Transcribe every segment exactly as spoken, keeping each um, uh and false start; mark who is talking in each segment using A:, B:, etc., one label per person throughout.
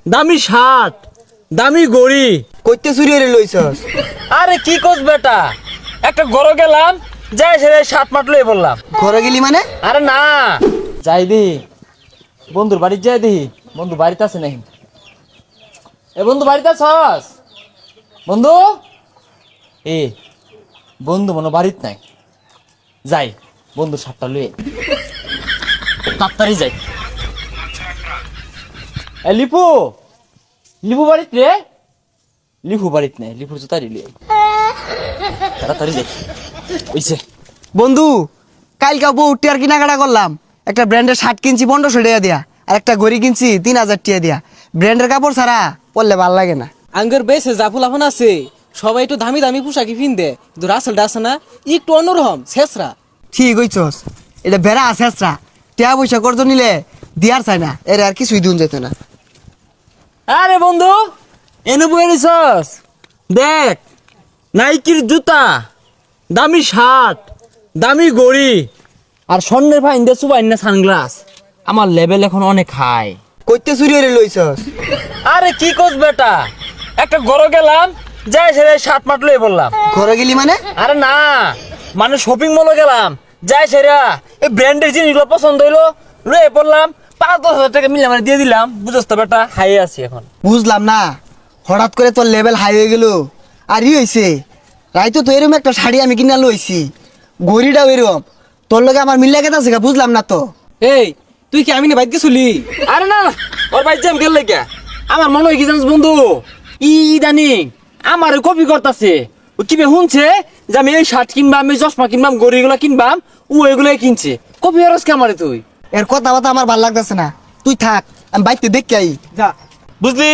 A: দামি শার্ট, দামি গড়ি।
B: কইতে চুরি হয়ে লইছস?
A: আরে কি কোস বেটা, একটা গরো গেলাম, যাই সে শার্ট মাট লই বললাম।
B: ঘরে গেলি মানে?
A: আরে না, যাই দি বন্ধুর বাড়ি, যাই দি বন্ধু বাড়িতে আছে নাকি। এ বন্ধু বাড়িতে আছস? বন্ধু এ বন্ধু মনে বাড়িত নাই। যাই বন্ধু শার্টটা লই তাড়াতাড়ি যাই। এ লিপু, লিপু বাড়িত রে? লিপু বাড়িত নেই, লিপুর জুতারি লই তাড়াতাড়ি যাই। ওইছে
B: বন্ধু, কালকে বউ টিয়ার কেনাকাটা করলাম, একটা ব্র্যান্ডের শার্ট কিনছি পনেরোশো টাকা দিয়া, আর একটা ঘড়ি কিনছি তিন হাজার টাকা দিয়া। ব্র্যান্ডের কাপড় ছাড়া পরলে ভাল লাগে না।
C: আঙ্গের বেশে জাফুল আফান আছে, সবাই একটু দামি দামি পোশাকি পিনদে, কিন্তু রাসেলটা আছে না একটু অন্যরকম শেষরা।
B: ঠিক হইছস, এটা বেড়া আছে আসরা, টিয়া পয়সা করতো নিলে দিয়ার চাই না, এর আর কিছুই দুন যেত না।
A: আরে বন্ধু এনে বই নিছস, দেখ নাইকির জুতা, দামি শার্ট, দামি গড়ি, আর স্বর্ণের ভাই ইন্দে সুবাই না সানগ্লাস। আমার লেভেল এখন অনেক হাই।
B: কইতে চুরি হয়ে লইছস?
A: আরে কি কোস বেটা, একটা গরো গেলাম, যাই সে শার্ট মাট লই বললাম।
B: ঘরে গেলি মানে?
A: আরে না, মানে শপিং মলে গেলাম, যাই সেরা এই ব্র্যান্ডের জিনিসগুলো পছন্দ হইলো, লয়ে পড়লাম, পাঁচ দশ হাজার টাকা মিলে মানে দিয়ে দিলাম। বুঝছ তো বেটা, হাই আছি এখন।
B: বুঝলাম না, হঠাৎ করে তোর লেভেল হাই হয়ে গেল। আর ই হয়েছে, রাইতো তো এরকম একটা শাড়ি আমি কিনা লইছি, ঘড়িটাও এরকম, তোর লগে আমার মিল্লা কেতা আছে বুঝলাম না তো।
C: এই তুই কি আমি না বাইক গেছিলি?
A: আরে না না, ওর ভাই জ্যাম গেল লেগে আমার মনে হয় কি জানিস বন্ধু, ই ইদানিং আমার কপি করতেছে। ও কি বে শুনছে যে আমি এই শার্ট কিনবাম, আমি চশমা কিনবাম, গড়িগুলো কিনবাম, ও এগুলাই কিনছে। কপি হরস কে আমারে তুই?
B: এর কথা বাতা আমার ভাল লাগতেছে না, তুই থাক, আমি বাইকতে দেখতে আই।
C: যা
A: বুঝলি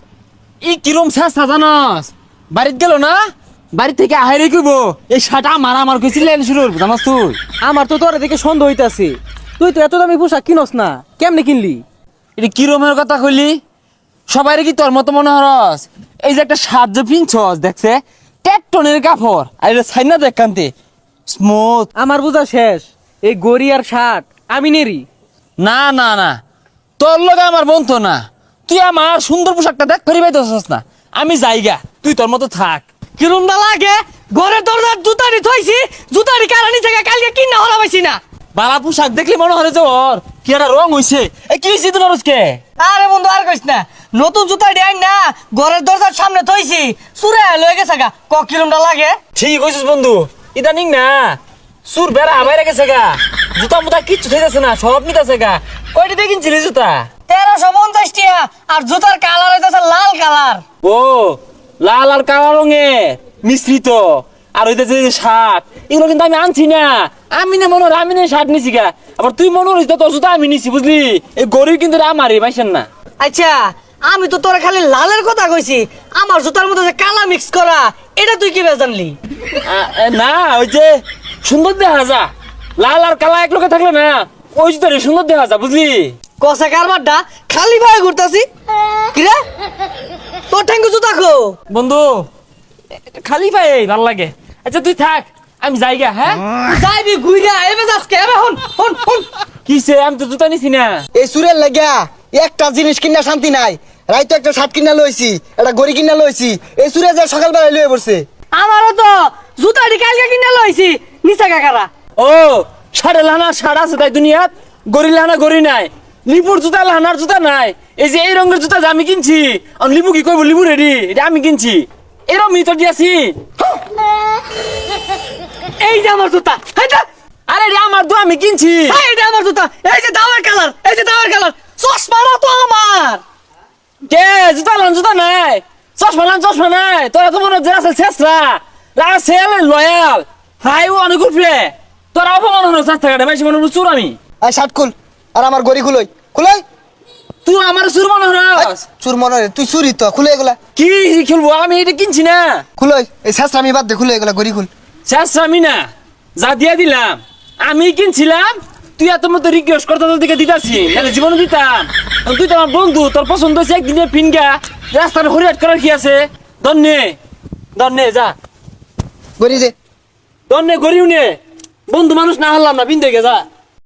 A: ই কিরম চেষ্টা জানস, বাড়িতে গেল না, বাড়ি থেকে আহারে কইব এই শার্ট আমার আমার কইছিলেন শুরু করবো জানাস তুই।
C: আমার তো তোর দেখে সন্দেহ হইতাছে, তুই তো এত দামি পোশাক কিনস না, কেমনে কিনলি?
A: এটা কিরমের কথা কইলি? সবাই কি তোর মতো মনে হরস? এই যে একটা শার্ট যে পিনছস দেখছে টেকটনের কাপড়, আর এটা ছাইনা দেখ কান্তে স্মুথ।
C: আমার বোঝা শেষ, এই গড়ি আর শার্ট আমি নেরি।
A: না না না, তোর লগে আমার বন্ধু না, তুই আমার সুন্দর পোশাকটা দেখ ফেরি পাইতেছস না। আমি যাইগা, তুই তোর মতো থাক।
C: কিরম না লাগে, ঘরের দরজার জুতারি থইছি, জুতারি কারানি থেকে কালকে কিনা হলা পাইছি না।
A: বালা পোশাক দেখলি মনে হয় যে ওর কি একটা রং হইছে। এ কি হইছে তোর আজকে?
C: আরে বন্ধু আর কইস না, নতুন জুতা ডিয়াই না ঘরের দরজার সামনে থইছি, চুরে লয়ে গেছে গা, ক কিরমটা লাগে।
A: ঠিক কইছিস বন্ধু, ইদানিং না সুর বেড়া বাইরে গেছে গা, জুতা মুতা কিচ্ছু থাকতেছে না, সব নিতেছে গা। কয়টা দিয়ে কিনছিলি জুতা?
C: তেরোশো পঞ্চাশ টিয়া, আর জুতার কালার হইতেছে লাল কালার।
A: ও লাল আর কালো রঙের মিশ্রিত। আর হইতেছে যে শার্ট, এগুলো কিন্তু আমি আনছি না। আমি না মনে হয় আমি না শার্ট নিছি গা, আবার তুই মনে হইস তোর জুতা আমি নিছি, বুঝলি? এই গরিব কিন্তু আমারই পাইছেন না।
C: আচ্ছা আমি তো তোরা খালি লালের কথা কইছি, আমার জুতার মধ্যে যে কালা মিক্স করা, এটা তুই কি জানলি?
A: আ- এ, না ওই যে সুন্দর দেখা যা, লাল আর কালা এক লোকে থাকলে না ওই জুতারে সুন্দর দেখা যা, বুঝলি?
C: কষা কারবারটা খালি ভাবে ঘুরতাছি কিরে, তোর ঠ্যাঙ্গু জুতা খো।
A: বন্ধু খালি পাই ভাল লাগে। আচ্ছা তুই থাক, আমি যাইগা। হ্যাঁ
C: যাইবি ঘুইরা এবে যাসকে, এবে হন হন হন।
A: কিসে, আমি তো জুতা নিছি না।
B: এই সুরের লাগিয়া একটা জিনিস কিনা শান্তি নাই, রাইতো একটা শার্ট কিনা লইছি, একটা ঘড়ি কিনা লইছি, এই সুরে যা সকালবেলা লয়ে পড়ছে।
C: আমারও তো জুতাটি কালকে কিনে লইছি, নিচা কাকারা।
A: ও সাড়ে লানার সাড়া আছে তাই দুনিয়াত, গড়ি লানা গড়ি নাই, লিপুর জুতা লানার জুতা নাই। এই যে এই রঙের জুতা যে আমি কিনছি, আর লিপু কি কইব লিপু রেডি, এটা আমি কিনছি, এরম মিতর দিয়াছি।
C: এই যে আমার জুতা, এইটা
A: আরে রে আমার তো আমি কিনছি।
C: এই যে আমার জুতা, এই যে দামের কালার, এই যে দামের কালার, চশমাটা তো আমার।
A: কে জুতা লান জুতা নাই, চশমা লান চশমা নাই, তোরা তো মনে হচ্ছে রাসেল শেষরা, রাসেল লয়াল হাই ও অনেক উঠবে, তোরা অপমান হলো চার টাকাটা বেশি মনে হলো চুর আমি।
B: আর শার্ট খুল, আর আমার ঘড়ি খুলই খুলই।
A: তুই আমার চুর মনে হস?
B: চুর মনে হয়, তুই চুরি তো, খুলে এগুলা
A: কি খেলবো, আমি এটা কিনছি না।
B: খুলই, এই শেষ আমি বাদ দে, খুলে এগুলা ঘড়ি খুল।
A: শেষ আমি না, যা দিয়া দিলাম আমি কিনছিলাম, তুই এত মতো রিকোয়েস্ট করতে তোর দিকে দিতাছি, নাহলে জীবনে দিতাম। তুই তো আমার বন্ধু, তোর পছন্দ হয়েছে একদিনে ফিনগা রাস্তার হরিয়াট করার কি আছে? দন্নে দন্নে যা,
B: ঘড়ি দে।
A: দন্নে গরিব নে, বন্ধু মানুষ না হলাম না, বিন্দু গে যা।